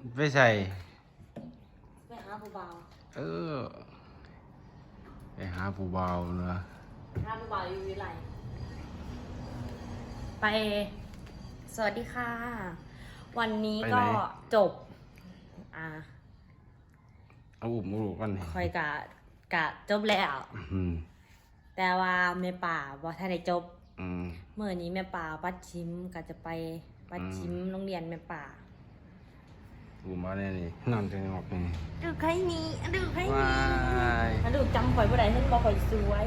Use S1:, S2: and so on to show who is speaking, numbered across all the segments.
S1: ไปใส่
S2: ไปหาผู้บ่าว
S1: เออไปหาผู้บ่าวเนอะ
S2: หาผู้บ่าวอยู่วิไลไป สวัสดีค่ะ วันนี้ก็จบ
S1: เอาอุ้มลูกกันนี่
S2: คอยกะจบแล้ว
S1: อืม
S2: แต่ว่าแม่ป่าบ่ทันได้จบ
S1: อืม
S2: เมื่อนี้แม่ป่าปัดชิมก็จะไปปัดชิมโรงเรียนแม่ป่า
S1: อุ้มมาเนี่ยนี่นอนจะงอกนี่
S2: ดูใครนี้ดูใคร
S1: ว้า
S2: นี้
S1: ย
S2: มาดูจำข่อยบ่ได้เห็นบ่ข่อยสวย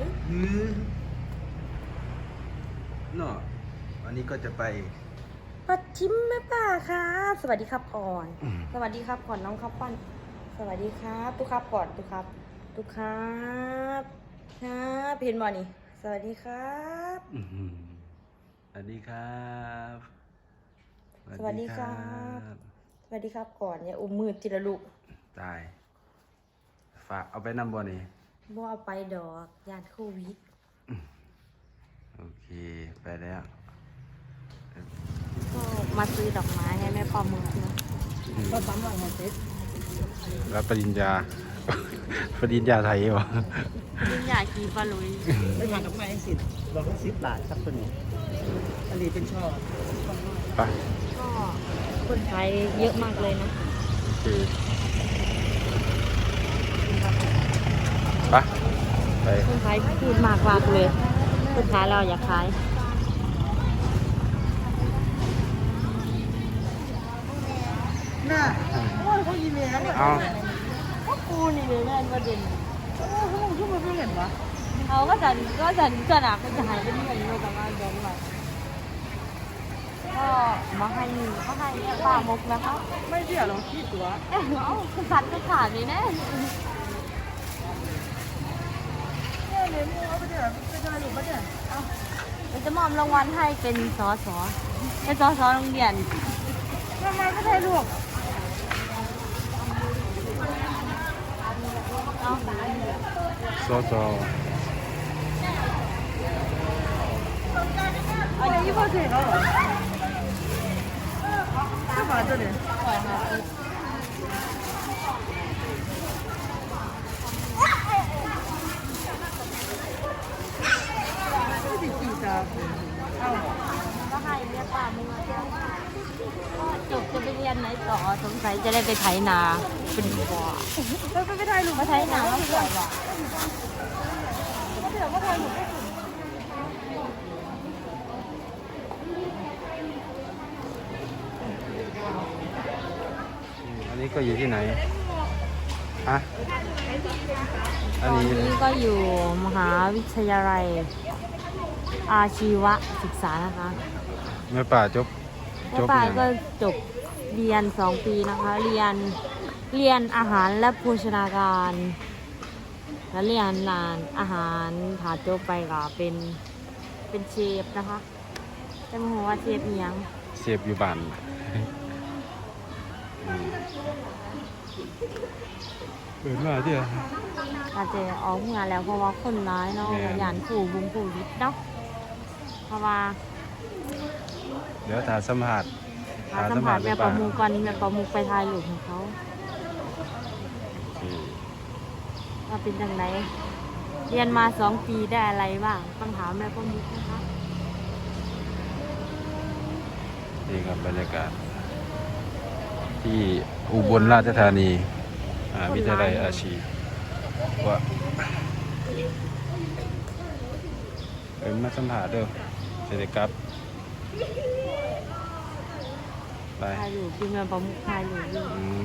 S1: เนาะวันนี้ก็จะไป
S2: ปัดชิมแม่ป่าค่ะสวัสดีครับก่อน สวัสดีครับก่อนน้องข้าวปั้นสวัสดีครับทุกครับก่อนทุกครับทุกครับครับเห็นบ่นี่สวัสดีครับ
S1: อื้อหือสวัสดีครับ
S2: สวัสดีครับ สวัสดีครับก่อนอย่าอุ้มมือจิละลูก
S1: ตายฝากเอาไปนำบ่นี่
S2: บ่เอาไปดอกยานโควิด
S1: โอเคไปแล้ว
S2: ก็มาซื้อดอกไม้ให้แม่ปอมือนะ
S3: ก็ซ้ำหลังมาเซ็ต
S1: รับปริญญา ปริญญาไทยเหรอ
S2: ยิ่งอยากกีฟ้าลุย
S3: ไม่มากับไม้สิบอกว่า10 บาทครับตัวนี้อันนี้เป็นช่อ
S1: ไป
S2: ก็คนไทยเยอะมากเลยนะ
S1: โอเคไป
S2: คนไทยพูดมากเลยคนขายเราอยากขาย
S3: น่ะโอ้ยเขาอีเมลเนี่ย
S1: เอา
S2: พวกกูนี่เลยแม่นประเด็น
S3: โอ้ยเขาบอกว่าไม่เห็นวะ
S2: เขาก็จะสนามก็จะหายไปที่ไหนไม่รู้แต่ว่าเดี๋ยวไปก็มาให้เนี่ยป้ามกนะคะ
S3: ไม่เสียหรอกที่ตัว
S2: เอ้าคุณพัดก็ขาดเลยนะ
S3: เนี่ยเลยมึงเอาไปเดี๋ยวไปทายหลุมปะเนี่ย
S2: เราจะมอบรางวัลให้เป็นสสเป็นสสโรงเรียน
S3: ทำไมไม่ทายหลุม
S2: เอา
S1: ซอซอ
S3: อันนี้พอเสร็จแล้วเหรอก็มาตัวนี้
S2: ปล่อยค่ะ
S3: ไม่ติดกี่ตาเอ้า
S2: ก็ให้เนี่ยป้ามึงมาเที่ยวก็จบจะไปเรียนไหนต่อสงสัยจะได้ไปไถนาเป็นบ่อ
S3: เราไปทายหลุม
S2: มาไถนาแล้วสวยว่ะ
S3: ก็เดี๋ยวก็ทายหลุม
S1: อันนี้ก็อยู่ที่ไหนฮะอัน
S2: ตอน
S1: นี้
S2: นี้ก็อยู่มหาวิทยาลัยอาชีวศึกษานะคะ
S1: แม่ป่าจบ
S2: แม่ป่าก็จบเรียน2 ปีนะคะ เรียนอาหารและโภชนาการ แล้วเรียนร้านอาหารถาจบไปก็เป็นเชฟนะคะแต่ไม่รู้ว่าเชฟอิหยัง
S1: เสียบอยู่บ้านเปิดมาเดี๋ยว
S2: อาจจะออกงานแล้วเพราะว่าคนร้ายเนาะ
S1: แม่น
S2: ยานผู้บุงผู้วิทย์เนาะเพราะว่า
S1: เดี๋ยวถ่ายสัมผัส
S2: หาสัมผัสแบบประมูกันแบบประมูไปถ่ายรูปของเขาว่าเป็นยังไงเรียนมา2 ปีได้อะไรบ้างต้องถามแม่ประมุกนะคะ
S1: นี่ครับบรรยากาศ ที่อุบลราชธานีวิทยาลัยอาชีพว่าเป็นมาสัมผัสเด้อเสร็จครับไป
S2: ถ่ายรูปคือแม่ประมุกถ่ายรูปอยู่
S1: อืม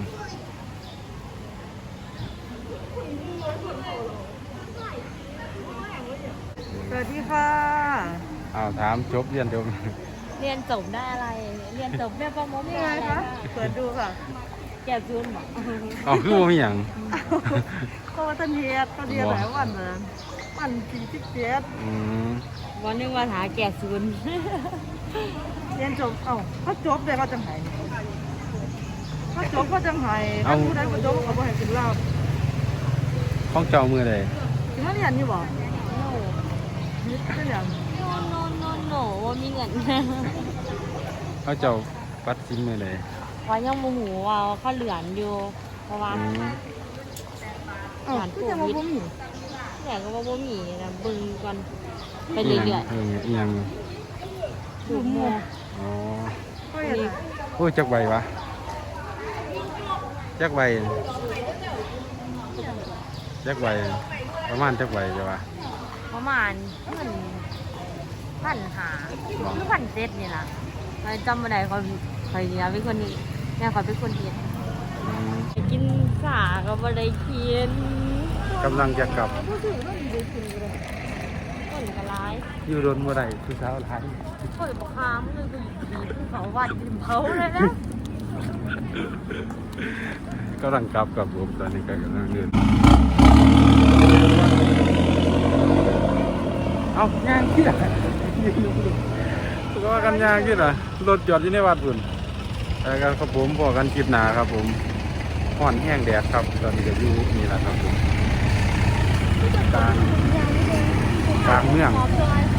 S3: สวัสดีค่ะ
S1: เอาถามจบเรียนจบ
S2: เรียนจบได้อะไร เรียนจบแม่ประมุก
S3: นี่
S2: ได้
S3: ไง
S2: อะไร
S3: คะ
S2: บ้าง
S3: เปิดดูค่ะ
S2: แก่ซูนหรอ
S1: เอาคือว่ามีอย่าง
S3: ก็ว่าท่านเฮียดเขาเรียนหลายวันเลยวัน47
S1: อืม
S2: วันนึงว่าหาแก่ซูน
S3: เรียนจบเอ้าเขาจบเลยเขาจังไห้เขาจบเขาจังไห้ถ้าผู้ใดบ่จบเขาบ่ให้กินเหล้า
S1: ห้องเจ้ามือใด
S3: สิมาเรียนอยู่บ่นี่เป็นหยัง
S2: โนว่ามีเงิน
S1: ห้องเจ้าปัดซิมมือใด
S3: เ
S2: ว่ายังโมโหว่าเขาเหลือนอยู่ เพราะว่า
S1: อืม
S3: เอ้าก็จะมาบ่มี
S2: แหล่ก็ว่าบ่มีนะเบิ่งก่อนไปเรื่อย
S1: อีหยัง
S2: ๆดูโม
S1: อ๋อ
S3: ก็อย่างนั้น
S1: โอ้ยจักใบวะจักใบจักใบประมาณจักใบจ้ะวะ
S2: ประมาณเงิน1,500หรือ1,700นี่ล่ะไปจำบ่ได้คอยเนี่ยเป็นคนนี้แม่คอยเป็นคนเฮ็ด
S1: อืม
S2: ไปกินสาก็บ่ได้กิน
S1: กำลังจะกลับ
S3: ผู้ถือว่าดีกินเลย
S2: คนก็ร้าย
S1: อยู่โดนเมื่อไหร่คือเช้าท้าย
S2: คนบ่คามเลยก็ดีภูเขาวัดริมเขาเลยนะ
S1: กำลังกลับกับผมตอนนี้ก็กำลังเดินเอาย่างที่ไหนก็กันย่างที่ไหนรถจอดอยู่ในวัดพุ่นแต่กันครับผมพอกันคลิปหนาครับผมห่อนแห้งแดดครับตอนนี้ก็อยู่นี่แหละครับผมกลางเมือง
S2: ขอบคุณ